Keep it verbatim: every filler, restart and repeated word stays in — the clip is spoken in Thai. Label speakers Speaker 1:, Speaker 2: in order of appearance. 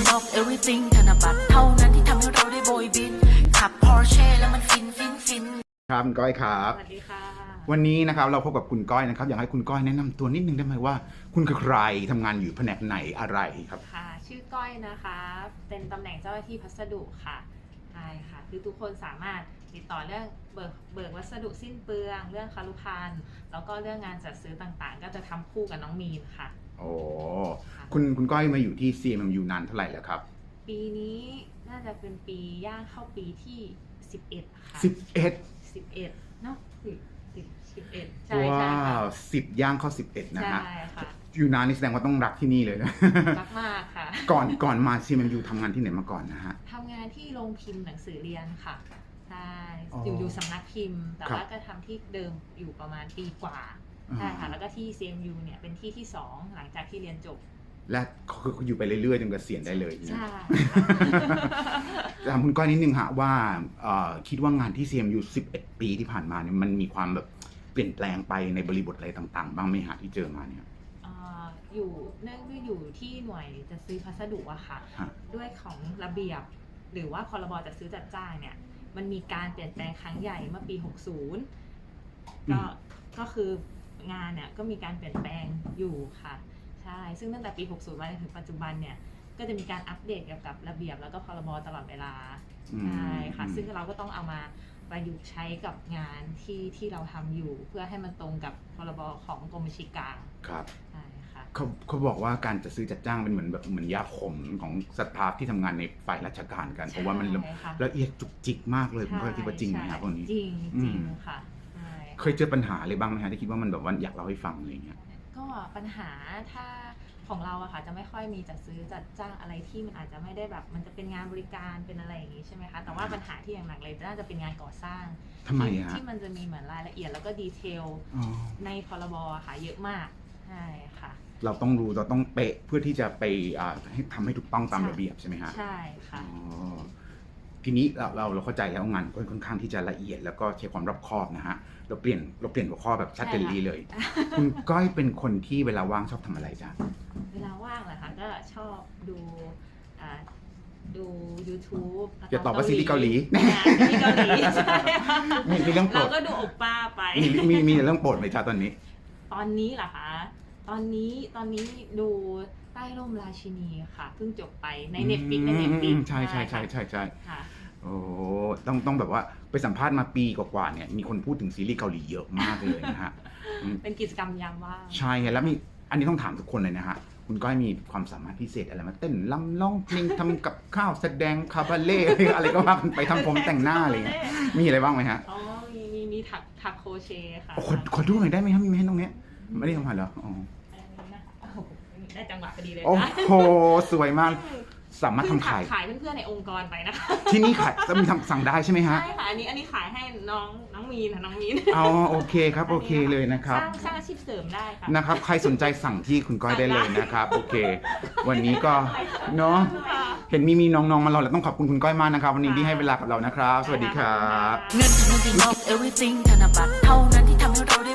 Speaker 1: of everything ธนบัตรเท่านั้นที่ทำให้เราได้โบยบินขับ Porsche แล้วมันฟินฟินฟิน
Speaker 2: ครับคุณก้อยครับ
Speaker 3: สวัสดีค่ะ
Speaker 2: วันนี้นะครับเราพบกับคุณก้อยนะครับอยากให้คุณก้อยแนะนำตัวนิดนึงได้ไหมว่าคุณคือใครทำงานอยู่แผนกไหนอะไรครับ
Speaker 3: ค่ะชื่อก้อยนะคะเป็นตำแหน่งเจ้าหน้าที่พัสดุค่ะใช่ค่ะคือทุกคนสามารถติดต่อเรื่องเบิกเบิกวัสดุสิ้นเปลืองเรื่องคารุภัณฑ์แล้วก็เรื่องงานจัดซื้อต่างๆก็จะทำคู่กับน้องมีนค่ะ
Speaker 2: โอ้คุณคุณก้อยมาอยู่ที่ ซี เอ็ม เอ็ม ยู นานเท่าไหร่แล้วครับ
Speaker 3: ปีนี้น่าจะเป็นปีย่างเข้าปีที่สิบเอ็ดค่ะ
Speaker 2: สิบเอ็ด
Speaker 3: สิบเอ็ดเนาะสิบสิบสิบเอ็ดใช่
Speaker 2: ว้า
Speaker 3: ใช่ค่ะ
Speaker 2: วสิบย่างเข้าสิบเอ็ดนะฮะ
Speaker 3: ใช่ค่ะ
Speaker 2: อยู่นานนี่แสดงว่าต้องรักที่นี่เลยนะ
Speaker 3: รักมากค่ะ
Speaker 2: ก่อนก่อนมา ซี เอ็ม เอ็ม ยู ทำงานที่ไหนมาก่อนนะฮะ
Speaker 3: ทำงานที่โรงพิมพ์หนังสือเรียนค่ะใช่อยู่อยู่สำนักพิมพ์แต่ว่าก็ทำที่เดิมอยู่ประมาณปีกว่าใช่ค่ะแล้วก็ที่ ซี เอ็ม ยู เนี่ยเป็นที่ที่สองหลังจากที่เรียนจบ
Speaker 2: และคืออยู่ไปเรื่อยๆจนเกษียณได้เลย
Speaker 3: ใช่
Speaker 2: ถามคุณก้อยนิดนึงฮะว่าคิดว่างานที่ ซี เอ็ม ยู สิบเอ็ดปีที่ผ่านมาเนี่ยมันมีความแบบเปลี่ยนแปลงไปในบริบทอะไรต่างๆบ้างไหมฮะที่เจอมาเนี่ย
Speaker 3: อยู่เนื่องด้วยอยู่ที่หน่วยจะซื้อพัสดุอะค่ะด้วยของระเบียบหรือว่าพรบจัดซื้อจัดจ้างเนี่ยมันมีการเปลี่ยนแปลงครั้งใหญ่เมื่อปีหกสิบก็ก็คืองานเนี่ยก็มีการเปลี่ยนแปลงอยู่ค่ะใช่ซึ่งตั้งแต่ปีหกสิบมาจนถึงปัจจุบันเนี่ยก็จะมีการอัปเดตเกี่ยวกับระเบียบแล้วก็พรบตลอดเวลาใช่ค่ะซึ่งเราก็ต้องเอามาประยุกต์ใช้กับงานที่ที่เราทำอยู่เพื่อให้มันตรงกับพรบของกรมบัญชีกลาง
Speaker 2: ครับ
Speaker 3: ใช่ค่ะ
Speaker 2: เขาเขาบอกว่าการจัดซื้อจัดจ้างเป็นเหมือนแบบเหมือนยาขมของสตาฟที่ทำงานในฝ่ายราชการกันเพราะว่ามันละเอียดจุกจิกมากเลยผมก็คิดว่าจริงไหมครับพวกนี้
Speaker 3: จริงจริงค่ะ
Speaker 2: เคยเจอปัญหาอะไรบ้างไหมฮะที่คิดว่ามันแบบว่าอยากเล่าให้ฟังอะไรเงี้ย
Speaker 3: ก็ปัญหาถ้าของเราอะค่ะจะไม่ค่อยมีจัดซื้อจัดจ้างอะไรที่มันอาจจะไม่ได้แบบมันจะเป็นงานบริการเป็นอะไรอย่างนี้ใช่ไหมคะแต่ว่าปัญหาที่อย่างหนักเลยน่าจะเป็นงานก่อสร้าง
Speaker 2: ทำไมฮะ
Speaker 3: ที่มันจะมีเหมือนรายละเอียดแล้วก็ดีเทลในพรบค่ะเยอะมากใช่ค่ะ
Speaker 2: เราต้องรู้เราต้องเป๊ะเพื่อที่จะไปให้ทำให้ถูกต้องตามระเบียบใช่ไหมฮะ
Speaker 3: ใช่ค่ะ
Speaker 2: ทีนี้เราเราเราเข้าใจแล้วงานค่อนข้างที่จะละเอียดแล้วก็ใช้ความรอบคอบนะฮะเราเปลี่ยนเราเปลี่ยนหัวข้อแบบชัดเจนเลยคุณก้อยเป็นคนที่เวลาว่างชอบทำอะไรจ๊ะ
Speaker 3: เวลาว่างเหรอคะก็ชอบดูดู YouTube
Speaker 2: อย่าตอบว่าซีรีส์เกาหลี
Speaker 3: ซีรีส์เกาหลีใช่
Speaker 2: มีเรื่องโปรด
Speaker 3: เราก็ดูโอป้าไป
Speaker 2: มีมีเรื่องโปรดไหมจ๊ะตอนนี้
Speaker 3: ตอนนี้เหรอคะตอนนี้ตอนนี้ดูใต้ร่มราชินีค่ะเพิ่งจบไปใน Netflix ใน Netflix
Speaker 2: ใช่ใช่ใช่ใช่ใช่
Speaker 3: ค่ะ
Speaker 2: โอ้ต้องต้องแบบว่าไปสัมภาษณ์มาปีกว่าๆเนี่ยมีคนพูดถึงซีรีส์เกาหลีเยอะมากเลยนะฮะ
Speaker 3: เป็นกิจกรรมยามว่าง
Speaker 2: ใช่แล้วมีอันนี้ต้องถามทุกคนเลยนะฮะคุณก้อยมีความสามารถพิเศษอะไรมาเต้นลำร้องเพลงทำกับข้าวแสดงคาบาเล่อะไรก็ว่าไปทำผมแต่งหน้าอะไรเงี้ยมีอะไรบ้างไหมฮะ
Speaker 3: อ๋อมีมีมีถักถักโครเชต์ค่ะ
Speaker 2: ขอขอดูหน่อยได้ไหมครับมีไหมตรงเนี้ยไม่ได้ทำมาเหรออ๋อ
Speaker 3: ได้จังหวะพอดีเลยนะ
Speaker 2: โอ้โหสวยมากสามารถทำขาย
Speaker 3: ขายเพื่อนๆในองค์กรไปนะคะ
Speaker 2: ที่นี่ขายจะมีทำสั่งได้ใช่ไหมฮะ
Speaker 3: ใช่ค่ะอันนี้อันนี้ขายให้น้องน้องมีนค่ะน้องมีน
Speaker 2: อ๋อโอเคครับโอเคเลยนะครับ
Speaker 3: สร้างสร้างอาชีพเสริมได้ค่ะ
Speaker 2: นะครับใครสนใจสั่งที่คุณก้อยได้เลยนะครับโอเควันนี้ก็เนาะเห็นมีมีน้องๆมาเราแล้วต้องขอบคุณคุณก้อยมากนะครับวันนี้ที่ให้เวลากับเรานะครับสวัสดีครับ
Speaker 1: เงิน of everything ธนบัตรเท่านั้นที่ทำให้เรา